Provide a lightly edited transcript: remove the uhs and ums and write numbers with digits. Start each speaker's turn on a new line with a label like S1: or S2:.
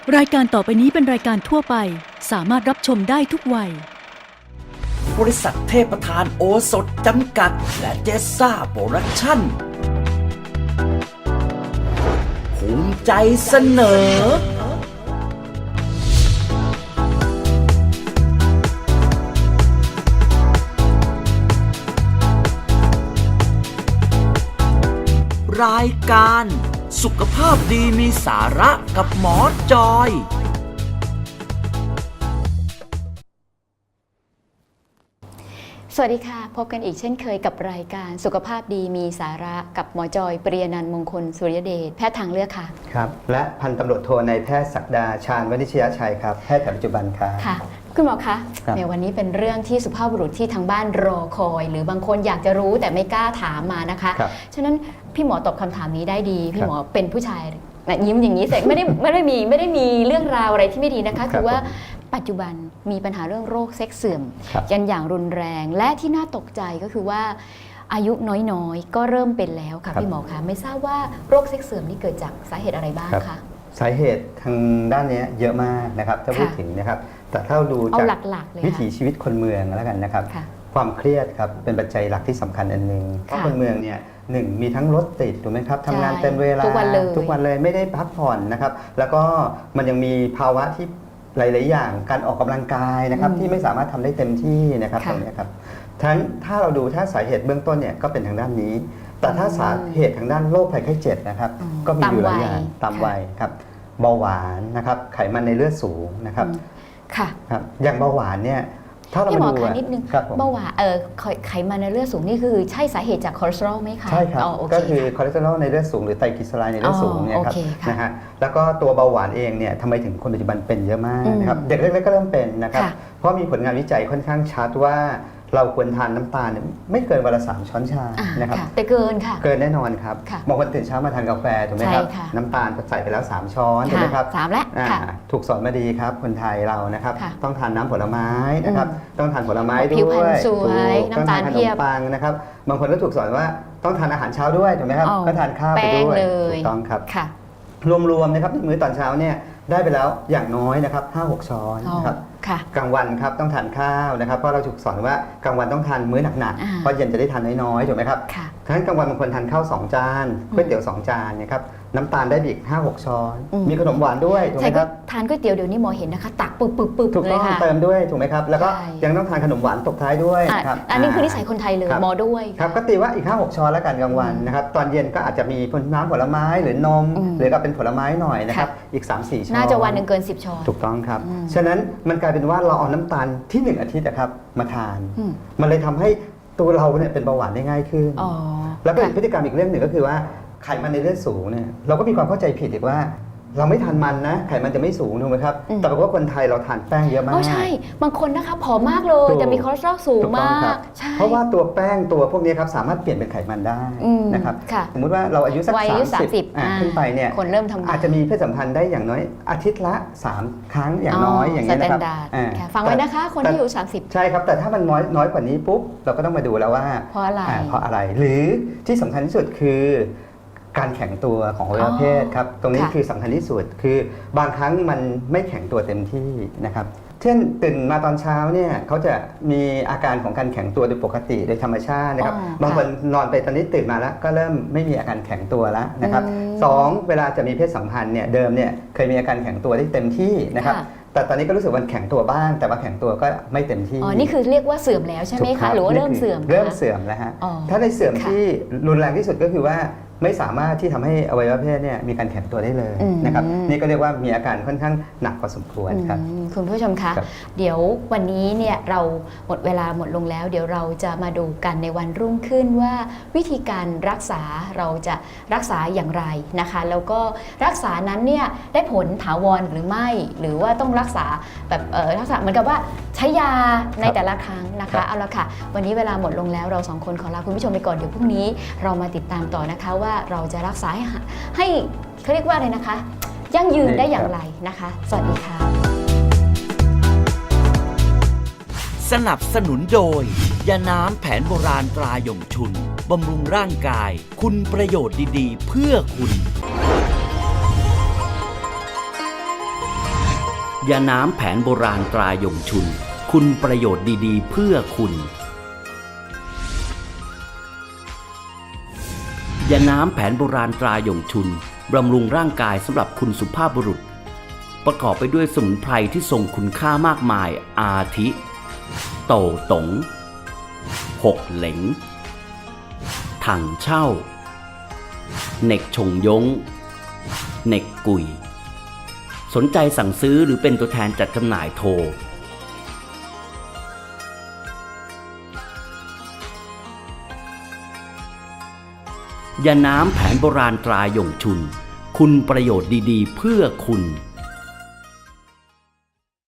S1: รายการต่อไปนี้เป็นรายการทั่วไปสามารถรับชมได้ทุกวัย
S2: บริษัทเทพประธานโอสถจำกัดและเจสซ่าโปรดักชั่นภูมิใจเสนอรายการสุขภาพดีมีสาระกับหมอจอย
S3: สวัสดีค่ะพบกันอีกเช่นเคยกับรายการสุขภาพดีมีสาระกับหมอจอยปริยนันท์มงคลสุริยเดชแพทย์ทางเลือกค่ะ
S4: ครับและพันตำรวจโทนายแพทย์ศักดาชาญวณิชยชัยครับแพทย์แผนปัจจุบันครับ
S3: ค่ะคุณหมอคะในวันนี้เป็นเรื่องที่สุภาพบุรุษที่ทางบ้านรอคอยหรือบางคนอยากจะรู้แต่ไม่กล้าถามมานะคะฉะนั้นพี่หมอตอบคำถามนี้ได้ดีพี่หมอเป็นผู้ชายยิ้มอย่างนี้แต่ไม่ได้มีเรื่องราวอะไรที่ไม่ดีนะคะคือว่าปัจจุบันมีปัญหาเรื่องโรคเซ็กส์เสื่อมกันอย่างรุนแรงและที่น่าตกใจก็คือว่าอายุน้อยๆก็เริ่มเป็นแล้วค่ะพี่หมอคะไม่ทราบว่าโรคเซ็กส์เสื่อมนี่เกิดจากสาเหตุอะไรบ้างคะ
S4: สาเหตุทางด้านนี้เยอะมากนะครับถ้าพูดถึงนะครับแต่ถ้าดูจากวิถีชีวิตคนเมืองแล้วกันนะครับความเครียดครับเป็นปัจจัยหลักที่สำคัญอันหนึ่งเพราะคนเมืองเนี่ยหนึ่งมีทั้งรถติดถูกไหมครับทำงานเต็มเวลาทุกวันเลยไม่ได้พักผ่อนนะครับแล้วก็มันยังมีภาวะที่หลายๆอย่างการออกกำลังกายนะครับที่ไม่สามารถทำได้เต็มที่นะครับตรงนี้ครับทั้งถ้าเราดูถ้าสาเหตุเบื้องต้นเนี่ยก็เป็นทางด้านนี้แต่ถ้าสาเหตุทางด้านโรคภัยไข้เจ็บนะครับก็มีอยู่หลายอย่างตามวัยครับเบาหวานนะครับไขมันในเลือดสูงนะครับ
S3: ค่ะ
S4: ครับอย่างเบาหวานเนี่ยถ้าเรา
S3: มา
S4: ดู
S3: นิดนึงเบาหวานไขมันในเลือดสูงนี่คือใช่สาเหตุจากคอเลสเตอรอลไหมคะ
S4: ใช่ครับก็คือคอเลสเตอรอลในเลือดสูงหรือไตรกลีเซอไรด์ในเลือดสูงเนี่ยครับนะฮะแล้วก็ตัวเบาหวานเองเนี่ยทำไมถึงคนปัจจุบันเป็นเยอะมากนะครับเด็กเล็กๆก็เริ่มเป็นนะครับเพราะมีผลงานวิจัยค่อนข้างชัดว่าเราควรทานน้ำตาลไม่เกินวันละ3 ช้อนชานะครับ
S3: แต่เกินค่ะ
S4: เกินแน่นอนครับบางคนตื่นเช้ามาทานกาแฟถูกไหมครับน้ำตาลใส่ไปแล้ว3 ช้อนถูกไหมครับ
S3: 3แล้ว
S4: ถูกสอนมาดีครับคนไทยเรานะครับต้องทานน้ำผลไม้นะครับต้องทานผลไม้ด้วย
S3: น้ำตาลเพียบ
S4: ปังนะครับบางคนก็ถูกสอนว่าต้องทานอาหารเช้าด้วยถูกไหมครับก็ทานข้าวไปด้วยถูกต้องครับรวมๆนะครับมื้อตอนเช้าเนี่ยได้ไปแล้วอย่างน้อยนะครับ 5-6 ช้อนนะครับกลางวันครับต้องทานข้าวนะครับเพราะเราถูกสอนว่ากลางวันต้องทานมื้อหนักๆเพราะเย็นจะได้ทานน้อยๆถูกไหมครับทั้งกลางวันบางคนทานข้าว2 จานก๋วยเตี๋ยว2 จานนะครับน้ำตาลได้อีก 5-6 ช้อนมีขนมหวานด้วยถูกไหมครับ
S3: ทานก๋วยเตี๋ยวเดี๋ยวนี้หมอเห็นนะคะตักปึ๊บ
S4: ถูกต้องเติมด้วยถูกไหมครับแล้วก็ยังต้องทานขนมหวานตบท้ายด้วย
S3: ครับอันนี้คือนิสัยคนไทยเลยหมอด้วย
S4: ครับก็ตีว่าอีก 5-6 ช้อนแล้วกันกลางวันนะครับตอนเย็นก็อาจจะมีน้ำผลไม้หรือนมหรือก็เป็นผลไม้หน่อยนะครับอีก 3-4 ช้อน
S3: น่าจะวันหนึ่งเกิน10 ช้อน
S4: ถูกต้องครับฉะนั้นมันกลายเป็นว่าเราเอาน้ำตาลที่1 อาทิตย์นะครับมาทานมันเลยทำให้ตัวเราเนี่ยเป็นเบาหวานได้ง่ายขึ้นแล้วก็พฤติกรรมอีกเรื่องหนึ่งก็คือว่าไขมันในเลือดสูงเนี่ยเราก็มีความเข้าใจผิดอีกว่าเราไม่ทานมันนะไขมันจะไม่สูงถูกไหมครับแต่ปรากฏว่าคนไทยเราทานแป้งเยอะมาก
S3: ใช่บางคนนะคะผอมมากเลยแต่มีคอเลสเตอรอลสูงมาก
S4: เพราะว่าตัวแป้งตัวพวกนี้ครับสามารถเปลี่ยนเป็นไขมันได้นะครับสมมติว่าเราอายุสัก30ขึ้นไปเนี่ย
S3: คนเริ่มทำ
S4: อาจจะมีเพศสัมพันธ์ได้อย่างน้อยอาทิตย์ละ3 ครั้งอย่างน้อยอย่างนี้นะครับ
S3: ฟังไว้นะคะคนที่อยู่30
S4: ใช่ครับแต่ถ้ามันน้อยกว่านี้ปุ๊บเราก็ต้องมาดูแล้วว่า
S3: เพราะ
S4: อะไรหรือที่สำคัญที่สุดคือการแข็งตัวของอวัยวะเพศครับตรงนี้คือสำคัญที่สุดคือบางครั้งมันไม่แข็งตัวเต็มที่นะครับเช่นตื่นมาตอนเช้าเนี่ยเขาจะมีอาการของการแข็งตัวโดยปกติโดยธรรมชาตินะครับบางคนนอนไปตอนนี้ตื่นมาแล้วก็เริ่มไม่มีอาการแข็งตัวแล้วนะครับ2เวลาจะมีเพศสัมพันธ์เนี่ยเดิมเนี่ยเคยมีอาการแข็งตัวได้เต็มที่นะครับแต่ตอนนี้ก็รู้สึกว่าแข็งตัวบ้างแต่ว่าแข็งตัวก็ไม่เต็มที่
S3: นี่คือเรียกว่าเสื่อมแล้วใช่ไหมคะหรือว่าเริ่มเสื่อม
S4: แล้วฮะถ้าในเสื่อมที่รุนแรงที่สุดก็คือว่าไม่สามารถที่ทำให้อวัยวะเพศเนี่ยมีการแข็งตัวได้เลยนะครับนี่ก็เรียกว่ามีอาการค่อนข้างหนักพอสมควรครับ
S3: คุณผู้ชมคะเดี๋ยววันนี้เนี่ยเราหมดเวลาหมดลงแล้วเดี๋ยวเราจะมาดูกันในวันรุ่งขึ้นว่าวิธีการรักษาเราจะรักษาอย่างไรนะคะแล้วก็รักษานั้นเนี่ยได้ผลถาวรหรือไม่หรือว่าต้องรักษาแบบรักษาเหมือนกับว่าใช้ยาในแต่ละครั้งนะคะเอาละค่ะวันนี้เวลาหมดลงแล้วเรา2 คนขอลาคุณผู้ชมไปก่อนเดี๋ยวพรุ่งนี้เรามาติดตามต่อนะคะว่าเราจะรักษาให้เขาเรียกว่าอะไรนะคะยั่งยืนได้อย่างไรนะคะสวัสดีค่ะ
S2: สนับสนุนโดยยาน้ำแผนโบราณตราหยงชุนบำรุงร่างกายคุณประโยชน์ดีๆเพื่อคุณยาน้ำแผนโบราณตราหยงชุนคุณประโยชน์ดีๆเพื่อคุณยาน้ำแผนโบราณตราหยงชุนบำรุงร่างกายสำหรับคุณสุภาพบุรุษประกอบไปด้วยสมุนไพรที่ทรงคุณค่ามากมายอาทิโต่ตงหกเหลงถังเช่าเหน็กชงยงเหน็กกุยสนใจสั่งซื้อหรือเป็นตัวแทนจัดจำหน่ายโทรยาน้ำแผนโบราณตราหยงชุนคุณประโยชน์ดีๆเพื่อคุณ